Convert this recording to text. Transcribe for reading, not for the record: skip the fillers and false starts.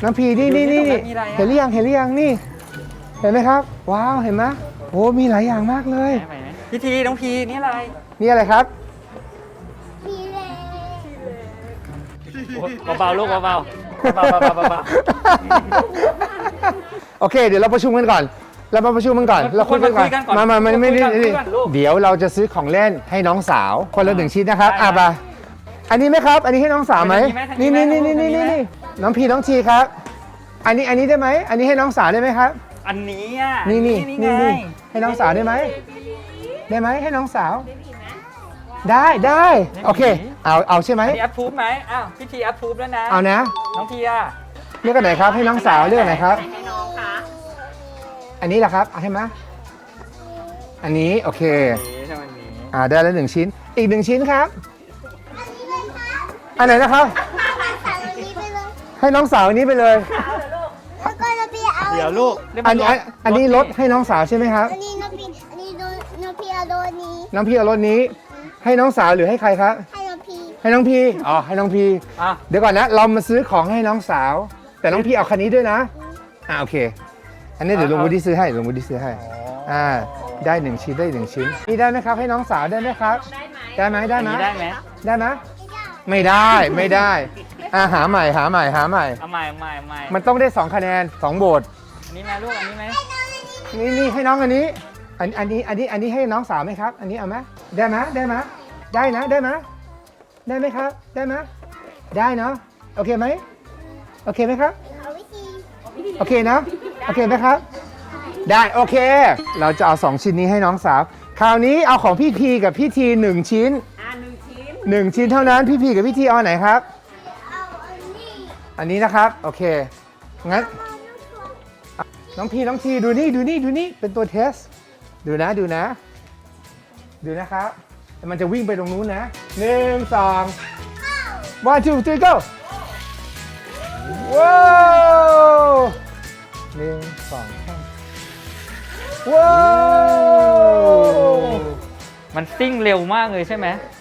น้ำพีนี่เห็นหรือยังนี่เห็นไหมครับว้าวเห็นไหมโอ้มีหลายอย่างมากเลยพี่ทีน้องพีนี่อะไรนี่อะไรครับเบาๆลูกเบาโอเคเดี๋ยวเราประชุมกันก่อนเรามาประชุมกันก่อนเราคุยกันก่อนมาไม่ได้เดี๋ยวเราจะซื้อของเล่นให้น้องสาวคนละ1 ชิ้นนะครับไปอันนี้ไหมครับอันนี้ให้น้องสาวไหมนี่น้องพีน้องทีครับอันนี้ได้ไหมอันนี้ให้น้องสาวได้ไหมครับอันนี้อ่ะนี่ให้น้องสาวได้ไหมให้น้องสาวได้โอเคเอาใช่ไหมพี่แอปพูฟไหมอ้าวพี่ทีแอปพูฟแล้วนะเอานะน้องพีอ่ะเลือกกันไหนครับให้น้องสาวเลือกไหนครับให้น้องค่ะอันนี้แหละครับเอาให้ไหมอันนี้โอเคได้แล้ว1 ชิ้นอีก1 ชิ้นครับอันไหนนะครับให้น้องสาวอันนี้ไปเลยแล้วก็เราไปเอาเดี๋ยวลูกอันนี้รถให้น้องสาวใช่ไหมครับอันนี้น้องพีเอารถนี้น้องพี่เอารถนี้ให้น้องสาวหรือให้ใครครับให้น้องพีให้น้องพีเดี๋ยวก่อนนะเรามาซื้อของให้น้องสาวแต่น้องพีเอาคันนี้ด้วยนะโอเคอันนี้เดี๋ยวลุงวุฒิซื้อให้ได้1 ชิ้นนี่ได้ไหมครับให้น้องสาวได้ไหมครับได้ไหมไม่ได้หาใหม่เอาใหม่มันต้องได้2 คะแนน2 โหวตอันนี้นะลูกอันนี้ไหมนี่ให้น้องอันนี้ให้น้องสาวไหมครับอันนี้เอาไหมได้ไหมได้ไหมได้ไหมครับได้ไหมได้เนาะโอเคไหมครับโอเคนะโอเคไหมครับได้โอเคเราจะเอา2 ชิ้นนี้ให้น้องสาวคราวนี้เอาของพี่พีกับพี่ที1 ชิ้น1 ชิ้นเท่านั้นพี่พีกับพี่ทีเอาไหนครับอันนี้นะครับโอเคงั้นน้องพีน้องทีดูนี่เป็นตัวเทสดูนะครับมันจะวิ่งไปตรงนู้นนะ1 2 1 2 3 go ว้าว1 2 3ว้าวมันซิ่งเร็วมากเลยใช่ไหม